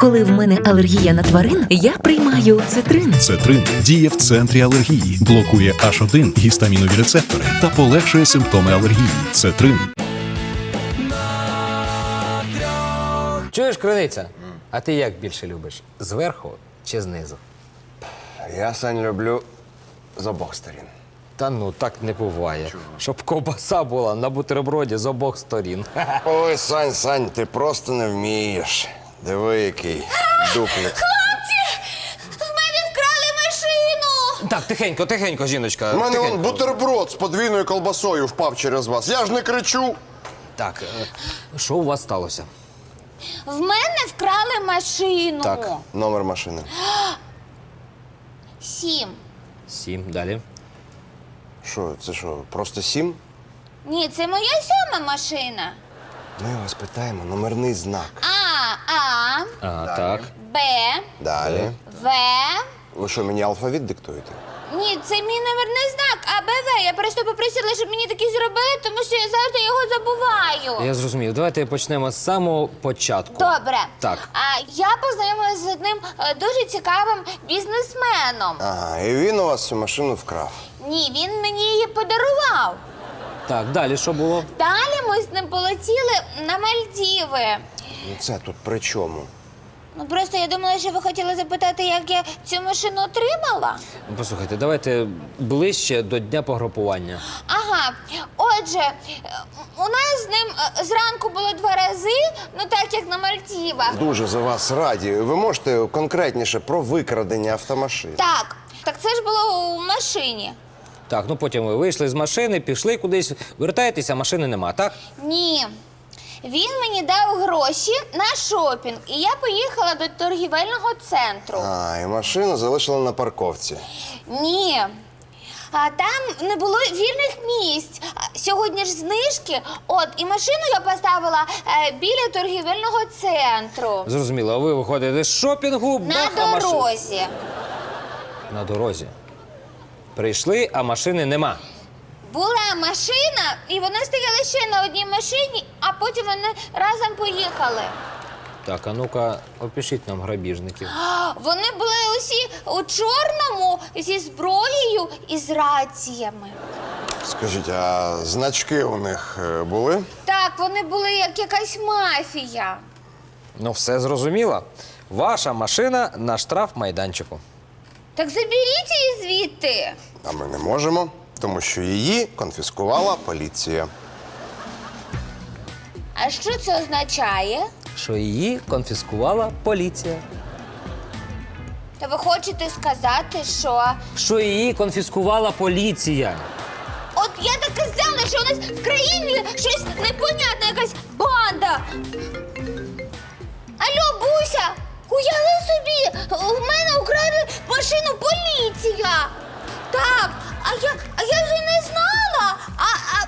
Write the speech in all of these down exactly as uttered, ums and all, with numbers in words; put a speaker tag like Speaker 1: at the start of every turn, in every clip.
Speaker 1: Коли в мене алергія на тварин, я приймаю цитрин.
Speaker 2: Цетрин діє в центрі алергії, блокує аш один гістамінові рецептори та полегшує симптоми алергії. Цетрин.
Speaker 3: Чуєш, Криниця? А ти як більше любиш? Зверху чи знизу?
Speaker 4: Я, Сань, люблю з обох сторін.
Speaker 3: Та ну, так не буває. Щоб ковбаса була на бутерброді з обох сторін.
Speaker 4: Ой, Сань, Сань, ти просто не вмієш. Диви, який дуплик.
Speaker 5: В мене вкрали машину!
Speaker 3: Так, тихенько, тихенько, жіночка.
Speaker 4: У мене
Speaker 3: тихенько.
Speaker 4: вон бутерброд з подвійною колбасою впав через вас. Я ж не кричу.
Speaker 3: Так, е, що у вас сталося?
Speaker 5: В мене вкрали машину.
Speaker 3: Так.
Speaker 4: Номер машини.
Speaker 5: Сім.
Speaker 3: Сім, далі.
Speaker 4: Що, це що, просто сім?
Speaker 5: Ні, це моя сьома машина.
Speaker 4: Ми вас питаємо номерний знак.
Speaker 5: А, А,
Speaker 3: А, так.
Speaker 5: Б,
Speaker 4: Далі.
Speaker 5: В.
Speaker 4: Ви що, мені алфавіт диктуєте?
Speaker 5: Ні, це мій номерний знак, А, Б, В. Я просто попросила, щоб мені такий зробили, тому що я завжди його забуваю.
Speaker 3: Я зрозумів. Давайте почнемо з самого початку.
Speaker 5: Добре.
Speaker 3: Так.
Speaker 5: А я познайомилася з одним е, дуже цікавим бізнесменом.
Speaker 4: Ага, і він у вас цю машину вкрав.
Speaker 5: Ні, він мені її подарував.
Speaker 3: Так, далі що було?
Speaker 5: Далі ми з ним полетіли на Мальдіви.
Speaker 4: Ну це тут при чому?
Speaker 5: Ну просто я думала, що ви хотіли запитати, як я цю машину отримала.
Speaker 3: Ну, послухайте, давайте ближче до дня погрупування.
Speaker 5: Ага, отже, е, у нас з ним е, зранку було два рази, ну так як на Мальдівах.
Speaker 4: Дуже за вас раді. Ви можете конкретніше про викрадення автомашин?
Speaker 5: Так, так це ж було у машині.
Speaker 3: Так, ну потім ви вийшли з машини, пішли кудись, вертаєтеся, машини нема, так?
Speaker 5: Ні. Він мені дав гроші на шопінг, і я поїхала до торгівельного центру.
Speaker 4: А, і машину залишили на парковці.
Speaker 5: Ні. А там не було вільних місць. А сьогодні ж знижки. От, і машину я поставила е, біля торгівельного центру.
Speaker 3: Зрозуміло, а ви виходите з шопінгу,
Speaker 5: На
Speaker 3: бах, а машин-
Speaker 5: дорозі.
Speaker 3: На дорозі. Прийшли, а машини нема.
Speaker 5: Була машина, і вони стояли ще на одній машині, а потім вони разом поїхали.
Speaker 3: Так, а ну-ка, опишіть нам грабіжників.
Speaker 5: А, Вони були усі у чорному зі зброєю і з раціями.
Speaker 4: Скажіть, а значки у них е, були?
Speaker 5: Так, вони були як якась мафія.
Speaker 3: Ну, все зрозуміло. Ваша машина на штрафмайданчику.
Speaker 5: Так заберіть її звідти.
Speaker 4: А ми не можемо, тому що її конфіскувала поліція.
Speaker 5: А що це означає?
Speaker 3: Що її конфіскувала поліція.
Speaker 5: Та ви хочете сказати, що...
Speaker 3: Що її конфіскувала поліція.
Speaker 5: От я так і знала, що у нас в країні щось непонятне, якась банда. Алло, Буся, уяви собі, у мене украли машину поліція. Так, а я, а я вже не знала. А, а...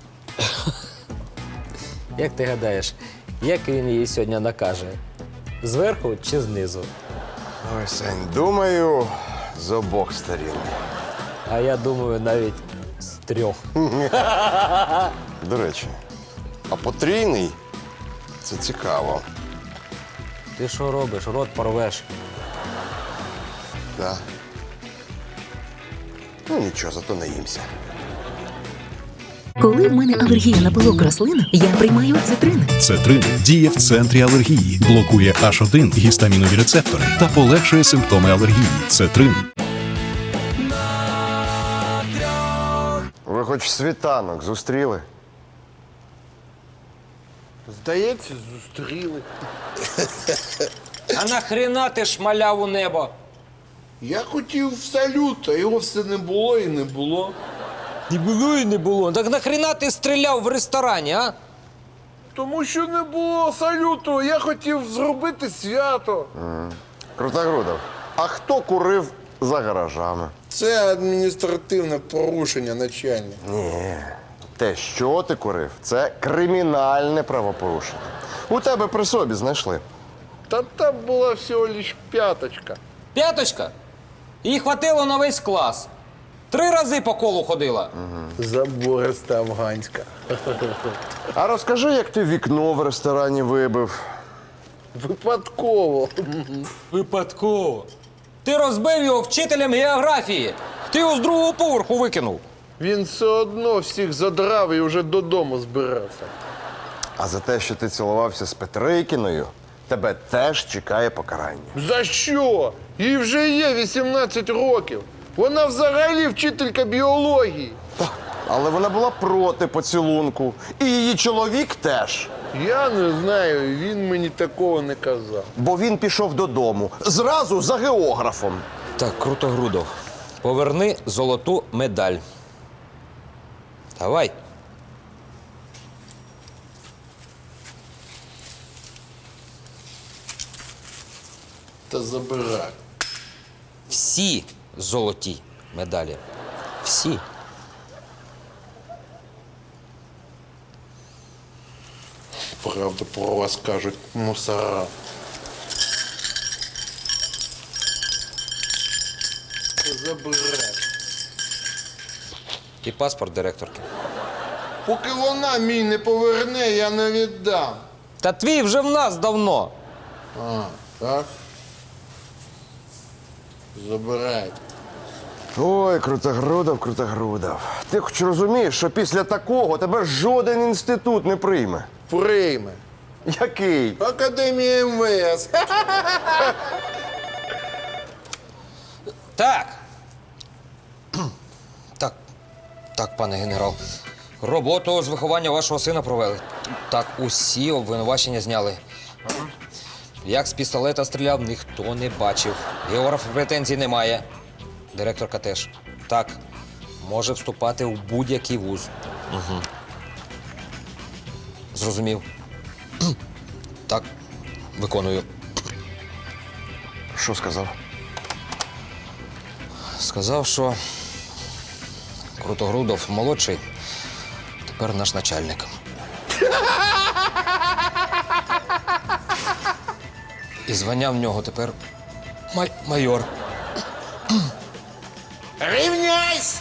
Speaker 3: Як ти гадаєш, як він її сьогодні накаже? Зверху чи знизу?
Speaker 4: Ой, Сань, думаю, з обох сторін.
Speaker 3: А я думаю, навіть з трьох.
Speaker 4: До речі, а потрійний – це цікаво.
Speaker 3: Ти що робиш? Рот порвеш.
Speaker 4: Да. Ну нічого, зато наїмся.
Speaker 1: Коли в мене алергія на пилок рослин, я приймаю цитрин.
Speaker 2: Цетрин діє в центрі алергії, блокує аш один гістамінові рецептори та полегшує симптоми алергії. Цетрин.
Speaker 4: Ви хоч світанок зустріли?
Speaker 6: Здається, зустріли.
Speaker 3: А нахрена ти шмаляв у небо?
Speaker 6: Я хотів в салют, а його все не було і не було.
Speaker 3: Не було і не було. Так нахрена ти стріляв в ресторані, а?
Speaker 6: Тому що не було салюту, я хотів зробити свято.
Speaker 4: Крутогрудов, а хто курив за гаражами?
Speaker 6: Це адміністративне порушення, начальник.
Speaker 4: Ні, те, що ти курив, це кримінальне правопорушення. У тебе при собі знайшли.
Speaker 6: Та там була всього лиш п'яточка.
Speaker 3: П'яточка? Їй хватило на весь клас. Три рази по колу ходила.
Speaker 6: Забориста афганська.
Speaker 4: А розкажи, як ти вікно в ресторані вибив.
Speaker 6: Випадково.
Speaker 3: Випадково. Ти розбив його вчителем географії. Ти його з другого поверху викинув.
Speaker 6: Він все одно всіх задрав і вже додому збирався.
Speaker 4: А за те, що ти цілувався з Петрикіною, тебе теж чекає покарання.
Speaker 6: За що? Їй вже є вісімнадцять років. Вона взагалі вчителька біології.
Speaker 4: Але вона була проти поцілунку. І її чоловік теж.
Speaker 6: Я не знаю, він мені такого не казав.
Speaker 4: Бо він пішов додому. Зразу за географом.
Speaker 3: Так, Крутогрудов, поверни золоту медаль. Давай.
Speaker 6: Та забирай.
Speaker 3: Всі золоті медалі. Всі.
Speaker 6: Правду про вас кажуть мусора. Та забирай.
Speaker 3: І паспорт директорки.
Speaker 6: Поки вона мій не поверне, я не віддам.
Speaker 3: Та твій вже в нас давно.
Speaker 6: А, так? Забирайте.
Speaker 4: Ой, Крутогрудов, Крутогрудов. Ти хоч розумієш, що після такого тебе жоден інститут не прийме.
Speaker 6: Прийме.
Speaker 4: Який?
Speaker 6: Академія ем ве ес.
Speaker 3: Так. Так, так, пане генерал. Роботу з виховання вашого сина провели. Так, усі обвинувачення зняли. Як з пістолета стріляв, ніхто не бачив. Географ претензій немає. Директорка теж. Так, може вступати в будь-який вуз. Угу. Зрозумів. Так, виконую.
Speaker 4: Що сказав?
Speaker 3: Сказав, що Крутогрудов молодший, тепер наш начальник. І звання в нього тепер май- майор.
Speaker 6: Рівняйсь!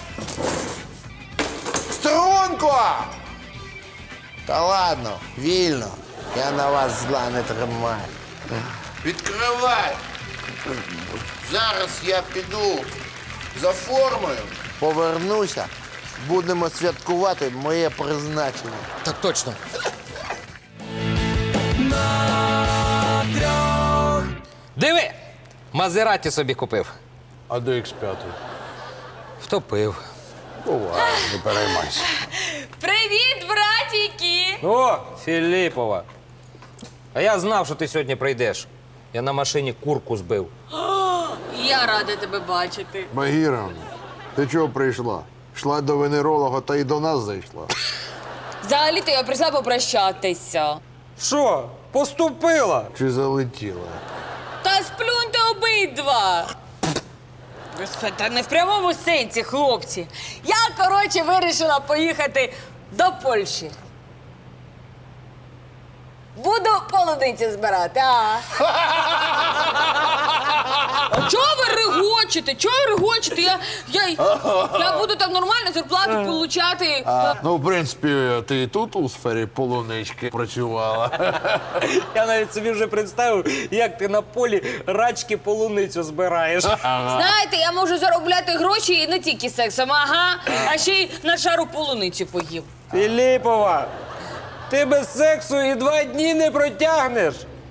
Speaker 6: Струнко! Та ладно, вільно. Я на вас зла не тримаю. Відкривай! Зараз я піду за формою. Повернуся. Будемо святкувати моє призначення.
Speaker 3: Так точно. Диви! Мазераті собі купив.
Speaker 6: А до ікс п'ять?
Speaker 3: Втопив.
Speaker 6: Буває, не переймайся.
Speaker 7: Привіт, братіки!
Speaker 3: О, Філіпова. А я знав, що ти сьогодні прийдеш. Я на машині курку збив.
Speaker 7: Я рада тебе бачити.
Speaker 8: Багіра, ти чого прийшла? Йшла до венеролога та й до нас зайшла.
Speaker 7: Взагалі-то я прийшла попрощатися.
Speaker 3: Що? Поступила?
Speaker 8: Чи залетіла?
Speaker 7: Та сплюньте обидва. Господи, та не в прямому сенсі, хлопці. Я, коротше, вирішила поїхати до Польщі. Буду полуниці збирати, а? А чого ви регочете? Чого ви регочете? Я, я, я буду там нормально зарплату получати.
Speaker 8: Ну, в принципі, ти і тут у сфері полунички працювала.
Speaker 3: Я навіть собі вже представив, як ти на полі рачки полуницю збираєш.
Speaker 7: Знаєте, я можу заробляти гроші і не тільки сексом, ага, а ще й на шару полуниці поїв.
Speaker 3: Філіпова, ти без сексу і два дні не протягнеш.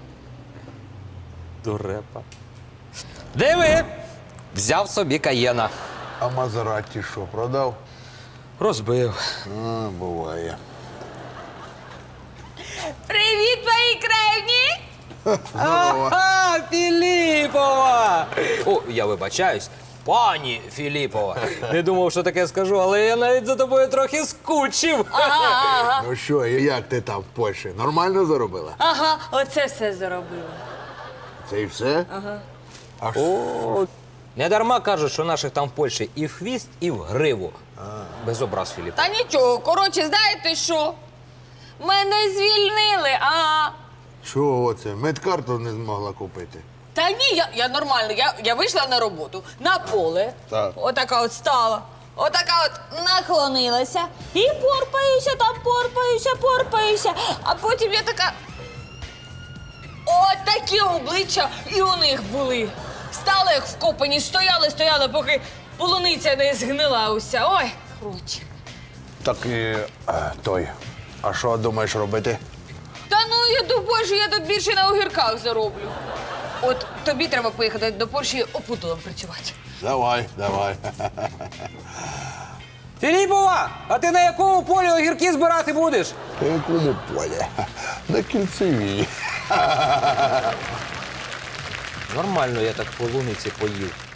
Speaker 3: Дурепа. Диви, взяв собі каєна.
Speaker 8: А Мазераті що, продав?
Speaker 3: Розбив.
Speaker 8: А, буває.
Speaker 7: Привіт, мої кревні!
Speaker 3: Ага, Філіпова! О, я вибачаюсь. Пані Філіпова. Не думав, що таке скажу, але я навіть за тобою трохи скучив.
Speaker 7: Ага, ага,
Speaker 8: Ну що, і як ти там в Польщі? Нормально заробила?
Speaker 7: ага, оце все заробила.
Speaker 8: Це і все?
Speaker 7: Ага.
Speaker 8: А що?
Speaker 3: О, не дарма кажуть, що наших там в Польщі і в хвіст, і в гриву. Без образ, Філіп.
Speaker 7: Та нічого, коротше, знаєте що? Мене звільнили, а.
Speaker 8: Чого це? Медкарту не змогла купити.
Speaker 7: Та ні, я, я нормально, я, я вийшла на роботу, на поле.
Speaker 8: Так.
Speaker 7: Отака от стала. Отака от наклонилася і порпаюся, там порпаюся, порпаюся. А потім я така. От такі обличчя і у них були. Стали як вкопані, стояли, стояли, поки полуниця не згнила уся. Ой, коротше.
Speaker 8: Так і е, той. А що думаєш робити?
Speaker 7: Та ну я думаю, що я тут більше на огірках зароблю. От тобі треба поїхати до Польщі опудолом працювати.
Speaker 8: Давай, давай.
Speaker 9: Філіпова, а ти на якому полі огірки збирати будеш?
Speaker 8: На якому полі? На кільцевій.
Speaker 3: Нормально я так полуниці поїв.